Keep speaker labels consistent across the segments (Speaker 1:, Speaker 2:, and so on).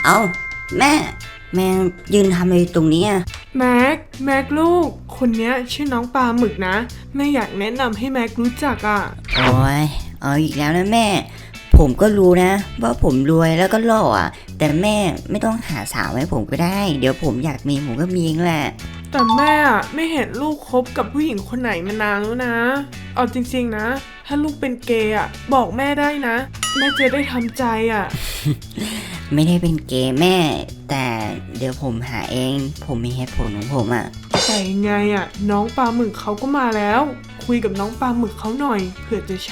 Speaker 1: เอ้าแม่แม่ยืนทำอะไรตรงนี้อ่ะ
Speaker 2: แม็กลูกคนเนี้ยชื่อน้องปลาหมึกนะแม่อยากแนะนำให้แม็กรู้จักอ่ะ
Speaker 1: โอ้ยเอาอีกแล้วนะแม่ผมก็รู้นะว่าผมรวยแล้วก็หล่ออ่ะแต่แม่ไม่ต้องหาสาวให้ผมก็ได้เดี๋ยวผมอยากมีผมก็มีเองแหละ
Speaker 2: แต่แม่อะไม่เห็นลูกคบกับผู้หญิงคนไหนมานานแล้วนะเอาจริงๆนะถ้าลูกเป็นเกย์อ่ะบอกแม่ได้นะแม่จะได้ทำใจอ่ะ
Speaker 1: ไม่ได้เป็นเกย์แม่แต่เดี๋ยวผมหาเองผมมีเหตุผลของผมอ่ะ
Speaker 2: แต่ยังไงอ่ะน้องปลาหมึกเขาก็มาแล้วคุยกับน้องปลาหมึกเขาหน่อยเผื่อจะใช่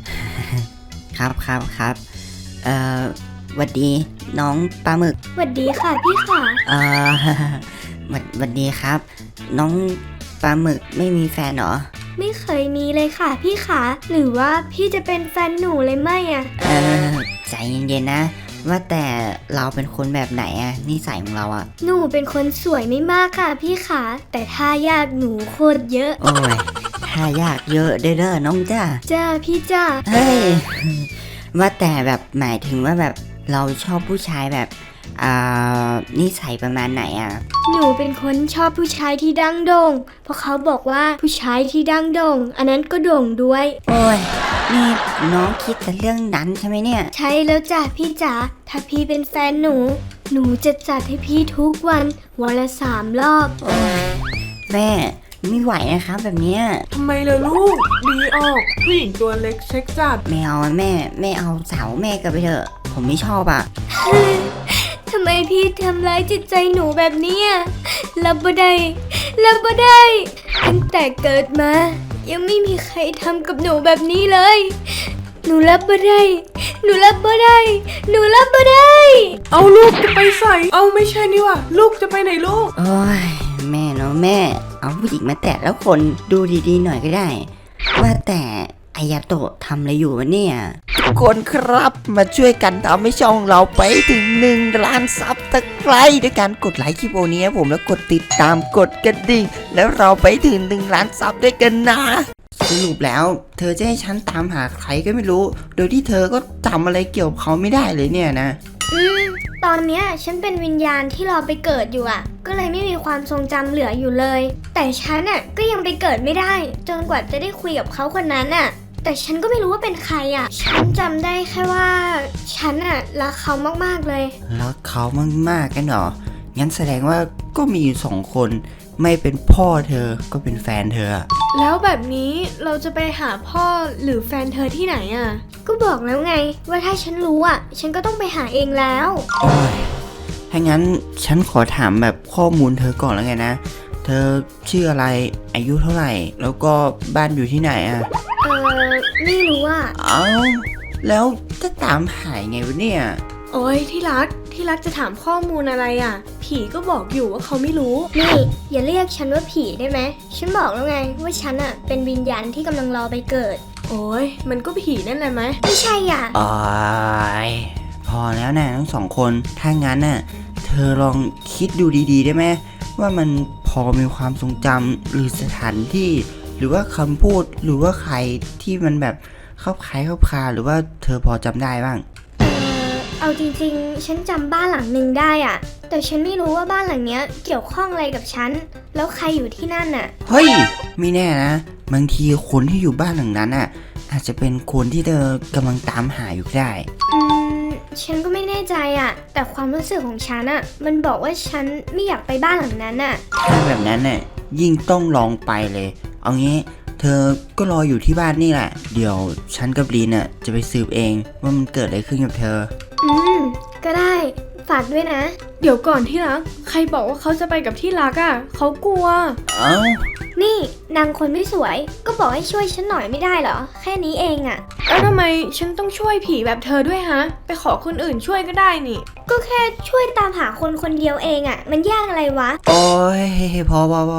Speaker 1: ครับหวัดดีน้องปลาหมึก
Speaker 3: สวัสดีค่ะพี่ค่ะ
Speaker 1: เอ่อ หวัดดีครับน้องปลาหมึกไม่มีแฟนเหรอ
Speaker 3: ไม่เคยมีเลยค่ะพี่ค่ะหรือว่าพี่จะเป็นแฟนหนูเลยไหมอ่ะ
Speaker 1: ใจเย็นๆนะว่าแต่เราเป็นคนแบบไหนอะนิสัยของเราอะ
Speaker 3: หนูเป็นคนสวยไม่มากค่ะพี่ค่ะแต่ถ้ายากหนูโคตรเยอะ
Speaker 1: โอ้ยถ้ายากเยอะเด้อน้องจ้า
Speaker 3: จ้าพี่จ้า
Speaker 1: เฮ้ยว่าแต่แบบหมายถึงว่าแบบเราชอบผู้ชายแบบนิสัยประมาณไหนอ่ะ
Speaker 3: หนูเป็นคนชอบผู้ชายที่ดังโด่งเพราะเขาบอกว่าผู้ชายที่ดังโด่งอันนั้นก็โด่งด้วย
Speaker 1: โอ้ยนี่น้องคิดแต่เรื่องนั้นใช่ไหมเนี่ย
Speaker 3: ใช่แล้วจ้ะพี่จ๋าถ้าพี่เป็นแฟนหนูจะจัดให้พี่ทุกวันละ3 รอบ
Speaker 1: โอ้ยแม่ไม่ไหวนะครับแบบเนี้ย
Speaker 2: ทำไมล่ะลูกดีออกผู้หญิงตัวเล็กเช็คจัด
Speaker 1: ไม่เอาแม่เอาสาวแม่กลับไปเถอะผมไม่ชอบอ่ะ
Speaker 3: ทำไมพี่ทำร้ายจิตใจหนูแบบนี้รับบ่ได้ตั้งแต่เกิดมายังไม่มีใครทำกับหนูแบบนี้เลยหนูรับบ่ได้
Speaker 2: เอาลูกจะไปใส่เอาไม่ใช่นี่ว่ะลูกจะไปไหนลูก
Speaker 1: โอ้ยแม่เนาะแม่เอาผู้หญิงมาแตะแล้วคนดูดีๆหน่อยก็ได้ว่าแต่อายาโตะทำอะไรอยู่วะเนี่ย
Speaker 4: ทุกคนครับมาช่วยกันทำให้ช่องเราไปถึง1 ล้านซับตะไคร้ด้วยการกดไลค์คลิปโอนี้ผมแล้วกดติดตามกดกระดิ่งแล้วเราไปถึง1 ล้านซับด้วยกันนะ
Speaker 1: สรุปแล้วเธอจะให้ฉันตามหาใครก็ไม่รู้โดยที่เธอก็จำอะไรเกี่ยวกับเขาไม่ได้เลยเนี่ยนะ
Speaker 3: ตอนเนี้ยฉันเป็นวิญญาณที่รอไปเกิดอยู่ก็เลยไม่มีความทรงจำเหลืออยู่เลยแต่ฉันก็ยังไปเกิดไม่ได้จนกว่าจะได้คุยกับเขาคนนั้นแต่ฉันก็ไม่รู้ว่าเป็นใครฉันจำได้แค่ว่าฉันรักเขามากๆเลย
Speaker 1: รักเขามากๆกันเหรองั้นแสดงว่าก็มีอยู่2 คนไม่เป็นพ่อเธอก็เป็นแฟนเธอ
Speaker 3: แล้วแบบนี้เราจะไปหาพ่อหรือแฟนเธอที่ไหนก็บอกแล้วไงว่าถ้าฉันรู้ฉันก็ต้องไปหาเองแล้ว
Speaker 1: โอ้ยถ้างั้นฉันขอถามแบบข้อมูลเธอก่อนแล้วไงนะเธอชื่ออะไรอายุเท่าไหร่แล้วก็บ้านอยู่ที่ไหน
Speaker 3: ไม่รู้
Speaker 1: เอ้าแล้วจะตามหายไงวะเนี่ย
Speaker 3: โอ้ยที่รักจะถามข้อมูลอะไรผีก็บอกอยู่ว่าเขาไม่รู้นี่อย่าเรียกฉันว่าผีได้ไหมฉันบอกแล้วไงว่าฉันเป็นวิญญาณที่กำลังรอไปเกิดโอ้ยมันก็ผีนั่นแหละไหมไม่ใช่
Speaker 1: อ๋อพอแล้วนะทั้ง2 คนถ้างั้นเธอลองคิดดูดีๆได้ไหมว่ามันพอมีความทรงจำหรือสถานที่หรือว่าคำพูดหรือว่าใครที่มันแบบเข้าคล้ายเข้าคาหรือว่าเธอพอจำได้บ้าง
Speaker 3: เอาจริงๆฉันจำบ้านหลังหนึ่งได้แต่ฉันไม่รู้ว่าบ้านหลังเนี้ยเกี่ยวข้องอะไรกับฉันแล้วใครอยู่ที่นั่น
Speaker 1: เฮ้ยไม่แน่นะบางทีคนที่อยู่บ้านหลังนั้นอาจจะเป็นคนที่เธอกำลังตามหาอยู่ได้
Speaker 3: ฉันก็ไม่แน่ใจแต่ความรู้สึกของฉันมันบอกว่าฉันไม่อยากไปบ้านหลังนั้น
Speaker 1: ถ้าแบบนั้นยิ่งต้องลองไปเลยเอางี้เธอก็รออยู่ที่บ้านนี่แหละเดี๋ยวฉันกับลีนจะไปสืบเองว่ามันเกิดอะไรขึ้นกับเธอ
Speaker 3: ก็ได้ฝากด้วยนะ
Speaker 2: เดี๋ยวก่อนที่รักใครบอกว่าเขาจะไปกับที่รักเขากลัว
Speaker 3: นี่นางคนไม่สวยก็บอกให้ช่วยฉันหน่อยไม่ได้เหรอแค่นี้เอง
Speaker 2: แล้วทำไมฉันต้องช่วยผีแบบเธอด้วยฮะไปขอคนอื่นช่วยก็ได้นี่
Speaker 3: ก็แค่ช่วยตามหาคนคนเดียวเองมันยากอะไรวะ
Speaker 1: โอ้ยพอ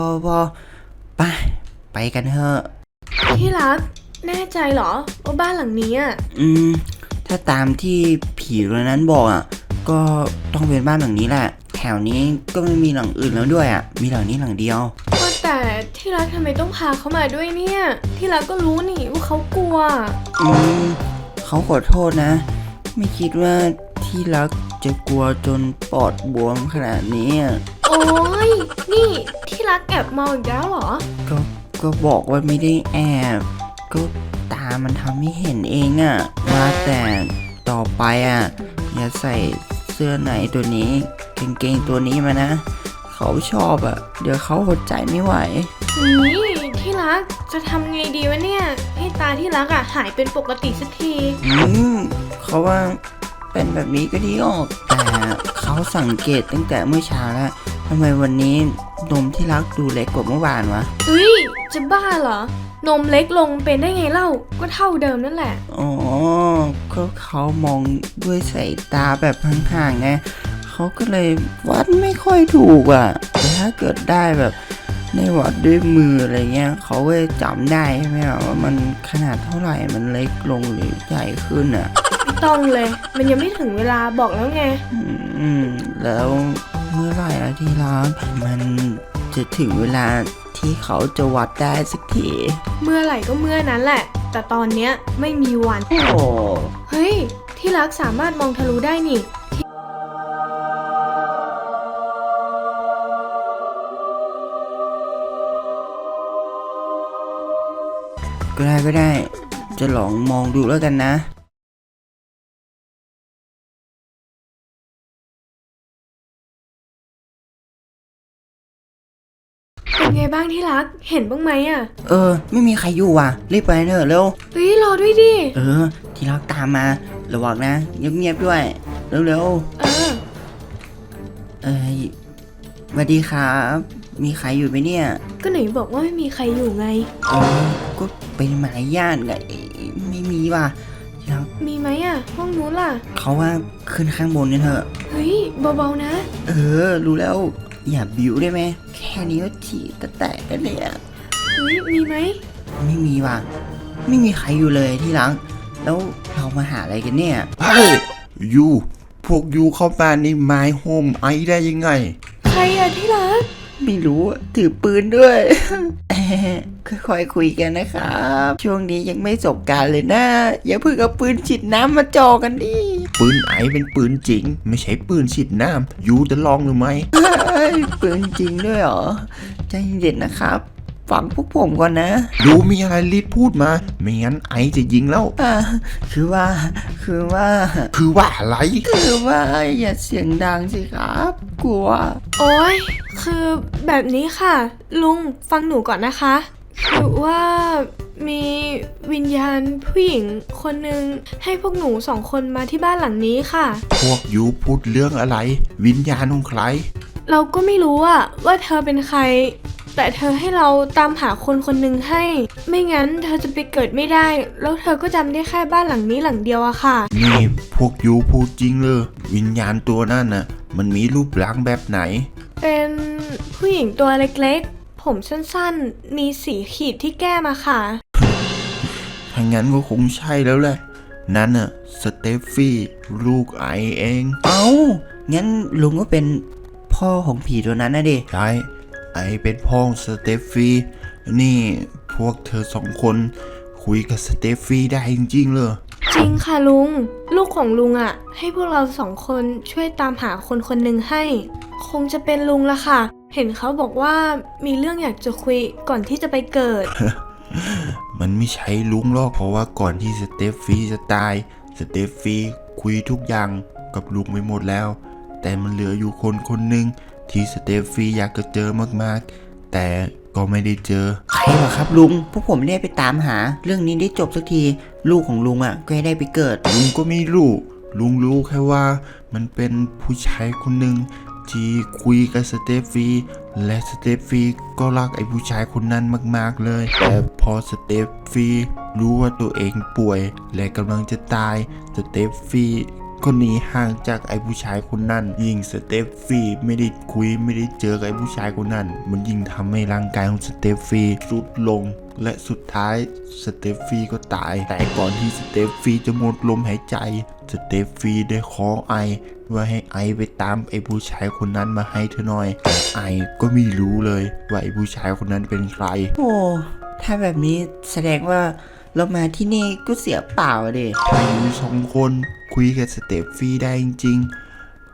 Speaker 1: ไปกันเถอะ
Speaker 2: ที่รักแน่ใจเหรอว่าบ้านหลังนี้
Speaker 1: ถ้าตามที่ผีตัวนั้นบอกก็ต้องเป็นบ้านหลังนี้แหละแถวนี้ก็ไม่มีหลังอื่นแล้วด้วยมีหลังนี้หลังเดียว
Speaker 2: ว่าแต่ที่รักทำไมต้องพาเขามาด้วยเนี่ยที่รักก็รู้นี่ว่าเขากลัว
Speaker 1: เขาขอโทษนะไม่คิดว่าที่รักจะกลัวจนปอดบวมขนาดนี้อะ
Speaker 3: โอ้ยนี่ที่รักแอบเมาอีกแล้วเหรอ
Speaker 1: ก็บอกว่าไม่ได้แอบ ก็ตามันทำให้เห็นเองอะว่าแต่ต่อไปอะอย่าใส่เสื้อไหนตัวนี้กางเกงตัวนี้มานะ เขาชอบอะเดี๋ยวเขาอดใจไม่ไหว
Speaker 3: นี่ที่รักจะทำไงดีวะเนี่ย ให้ตาที่รักอะหายเป็นปกติสักที
Speaker 1: เขาว่าเป็นแบบนี้ก็ดีออก แต่เขาสังเกตตั้งแต่เมื่อเช้าแล้วทำไมวันนี้นมที่รักดูเล็กกว่าเมื่อวานวะ
Speaker 3: เฮ้ย จะบ้าเหรอ นมเล็กลงเป็นได้ไงเล่า ก็เท่าเดิมนั่นแหละ
Speaker 1: อ๋อก็เขามองด้วยสายตาแบบห่างๆไงเขาก็เลยวัดไม่ค่อยถูกอ่ะแต่ถ้าเกิดได้แบบในวัดด้วยมืออะไรเงี้ยเขาก็จะจำได้ใช่ไหมว่ามันขนาดเท่าไหร่มันเล็กลงหรือใหญ่ขึ้นอ่ะ
Speaker 3: ไม่ต้องเลย มันยังไม่ถึงเวลาบอกแล้วไง
Speaker 1: แล้วเมื่อไหร่ละที่รักมันจะถึงเวลาที่เขาจะวัดได้สักที
Speaker 3: เมื่อไหร่ก็เมื่อนั้นแหละ แต่ตอนเนี้ยไม่มีวัน
Speaker 1: โอ้
Speaker 3: เฮ้ย ที่รักสามารถมองทะลุได้นี่
Speaker 1: ก็ได้ จะลองมองดูแล้วกันนะ
Speaker 3: เป็นไงบ้างที่รัก เห็นบ้างไหมอะ
Speaker 1: ไม่มีใครอยู่ว่ะ รีบไปเถอะเร็ว
Speaker 3: เฮ้ย รอด้วยดิ
Speaker 1: ที่รักตามมาระวังนะเงียบๆด้วย เร็ว
Speaker 3: เออ
Speaker 1: ๆสวัสดีครับ มีใครอยู่ไหมเนี่ย
Speaker 3: ก็ไหนบอกว่าไม่มีใครอยู่ไง
Speaker 1: ก็เป็นมารยาทไงไม่มีว่ะที่รัก
Speaker 3: มีไหมอะห้องนู้นล่ะ
Speaker 1: เขาว่าขึ้นข้างบนกันเถอะ
Speaker 3: เฮ้ย เบาๆนะ
Speaker 1: รู้แล้ว อย่าบิ้วได้ไหม แค่นี้ก็ฉี่แตกกันเลยอะ
Speaker 3: เฮ้ย มีไหม
Speaker 1: ไม่มีว่ะ ไม่มีใครอยู่เลยที่รัก แล้วเรามาหาอะไรกันเนี่ย
Speaker 5: เฮ้ยยูพวกยูเข้ามาในไม้โฮมไอได้ยังไง
Speaker 3: ใครอะที่รัก
Speaker 1: ไม่รู้อะถือปืนด้วย ค่อยๆคุยกันนะครับ ช่วงนี้ยังไม่จบการเลยนะ อย่าเพิ่งเอาปืนฉีดน้ำมาจ่อกันดิ
Speaker 5: ปืนไอเป็นปืนจริง ไม่ใช่ปืนฉีดน้ำยูจะลองหรือไม่
Speaker 1: เฮ้ยปืนจริงด้วยเหรอ ใจเย็นๆนะครับ ฟังพวกผมก่อนนะ
Speaker 5: ยูมีอะไรรีบพูดมา ไม่งั้นไอจะยิงแล้ว
Speaker 1: คือว่า
Speaker 5: คือว่าอะไร
Speaker 1: อย่าเสียงดังสิครับ กลัว
Speaker 3: โอ้ย คือแบบนี้ค่ะ ลุงฟังหนูก่อนนะคะ คือว่ามีวิญญาณผู้หญิงคนหนึ่งให้พวกหนูสองคนมาที่บ้านหลังนี้ค่ะ
Speaker 5: พวกยูพูดเรื่องอะไร วิญญาณของใคร
Speaker 3: เราก็ไม่รู้อะว่าเธอเป็นใคร แต่เธอให้เราตามหาคนคนหนึ่งให้ ไม่งั้นเธอจะไปเกิดไม่ได้ แล้วเธอก็จำได้แค่บ้านหลังนี้หลังเดียวอะค่ะ
Speaker 5: นี่พวกยูพูดจริงเลยวิญญาณตัวนั่นน่ะ มันมีรูปร่างแบบไหน
Speaker 3: เป็นผู้หญิงตัวเล็กๆ ผมสั้นๆ มีสีขีดที่แก้มอะค่ะ
Speaker 5: ถ้างั้นก็คงใช่แล้วแหละ นั่นน่ะสเตฟฟี่ลูกไอเอง
Speaker 1: เอ้า งั้นลุงก็เป็นพ่อของผีตัวนั้นนะดิ
Speaker 5: ใช่ไอเป็นพ่อสเตฟฟี่นี่พวกเธอสองคนคุยกับสเตฟฟี่ได้จริงๆเลย
Speaker 3: จริงค่ะลุง ลูกของลุงอะให้พวกเราสองคนช่วยตามหาคนคนหนึ่งให้ คงจะเป็นลุงละค่ะ เห็นเขาบอกว่ามีเรื่องอยากจะคุยก่อนที่จะไปเกิด
Speaker 5: มันไม่ใช่ลุงหรอกเพราะว่าก่อนที่สเตฟฟี่จะตายสเตฟฟี่คุยทุกอย่างกับลุงไปหมดแล้ว แต่มันเหลืออยู่คนคนหนึ่งที่สเตฟฟี่อยากจะเจอมากๆ แต่ก็ไม่ได้เจอ
Speaker 1: ใครเหรอครับลุง พวกผมไม่ได้ไปตามหา เรื่องนี้ได้จบสักที ลูกของลุงอ่ะก็ได้ไปเกิด
Speaker 5: ลุงก็ไม่รู้ลุงรู้แค่ว่ามันเป็นผู้ชายคนหนึ่งที่คุยกับสเตฟฟี่และสเตฟฟี่ก็รักไอ้ผู้ชายคนนั้นมากๆเลย แต่พอสเตฟฟี่รู้ว่าตัวเองป่วยและกำลังจะตายสเตฟฟี่ก็หนีห่างจากไอ้ผู้ชายคนนั้นยิ่งสเตฟฟี่ไม่ได้คุยไม่ได้เจอกับไอ้ผู้ชายคนนั้นมันยิ่งทำให้ร่างกายของสเตฟฟี่ทรุดลง และสุดท้ายสเตฟฟี่ก็ตาย แต่ก่อนที่สเตฟฟี่จะหมดลมหายใจสเตฟฟี่ได้ขอไอว่าให้ไอไปตามไอ้ผู้ชายคนนั้นมาให้เธอหน่อยแต่ไอก็ไม่รู้เลยว่าไอ้ผู้ชายคนนั้นเป็นใคร
Speaker 1: โอ้ ถ้าแบบนี้แสดงว่าเรามาที่นี่ก็เสียเปล่าอะดิ
Speaker 5: ถ้าอยู่สองคนคุยกับสเตฟฟี่ได้จริง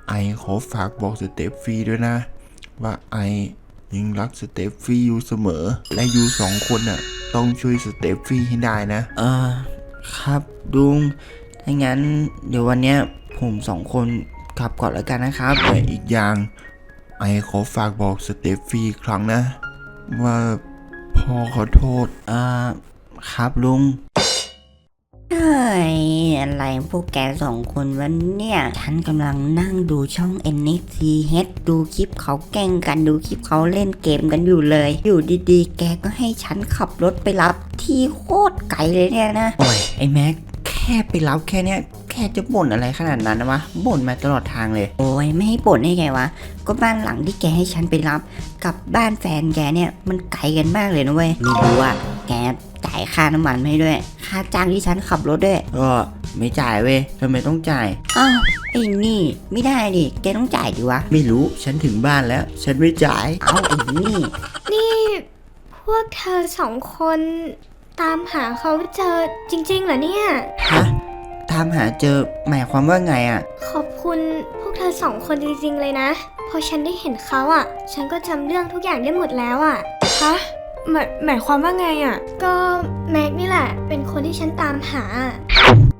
Speaker 5: ไอขอฝากบอกสเตฟฟี่ด้วยนะ ว่าไอยังรักสเตฟฟี่อยู่เสมอ และอยู่สองคนน่ะต้องช่วยสเตฟฟี่ให้ได้นะ
Speaker 1: ครับลุงถ้างั้นเดี๋ยววันเนี้ยผมสองคนกลับก่อนแล้วกันนะครับ
Speaker 5: แต่อีกอย่างไอขอฝากบอกสเตฟฟี่อีกครั้งนะ ว่าพ่อขอโทษ
Speaker 1: ครับลุง
Speaker 4: เฮ้ยอะไรพวกแกสองคนวันเนี่ย ฉันกำลังนั่งดูช่อง NXTH ดูคลิปเขาแกล้งกันดูคลิปเขาเล่นเกมกันอยู่เลย อยู่ดีๆ แกก็ให้ฉันขับรถไปรับที่โคตรไกลเลยเนี่ยนะ
Speaker 1: โอ้ยไอ้แม็กแค่ไปรับแค่เนี้ยแค่จะบ่นอะไรขนาดนั้นนะวะบ่นมาตลอดทางเลย
Speaker 4: โอ้ยไม่ให้บ่นได้ไงวะ ก็บ้านหลังที่แกให้ฉันไปรับกับบ้านแฟนแกเนี่ยมันไกลกันมากเลยนะเว้ยไม่รู้อ่ะแกจ่ายค่าน้ำมันให้ด้วย ค่าจ้างที่ฉันขับรถด้วย
Speaker 1: ก็ไม่จ่ายเว้ยทำไมต้องจ่าย
Speaker 4: อ้าวไอ้นี่ไม่ได้ดิแกต้องจ่ายดิวะ
Speaker 1: ไม่รู้ฉันถึงบ้านแล้ว ฉันไม่จ่าย
Speaker 4: เอาไอ้นี่
Speaker 3: นี่พวกเธอสองคนตามหาเขาเจอจริงๆเหรอเนี่ย
Speaker 1: ฮะตามหาเจอหมายความว่าไงอ่ะ
Speaker 3: ขอบคุณพวกเธอสองคนจริงๆเลยนะ พอฉันได้เห็นเขาอ่ะ ฉันก็จำเรื่องทุกอย่างได้หมดแล้วอ่ะ
Speaker 2: ฮะหมายความว่าไงอะ
Speaker 3: ก็แม็กนี่แหละ เป็นคนที่ฉันตามหา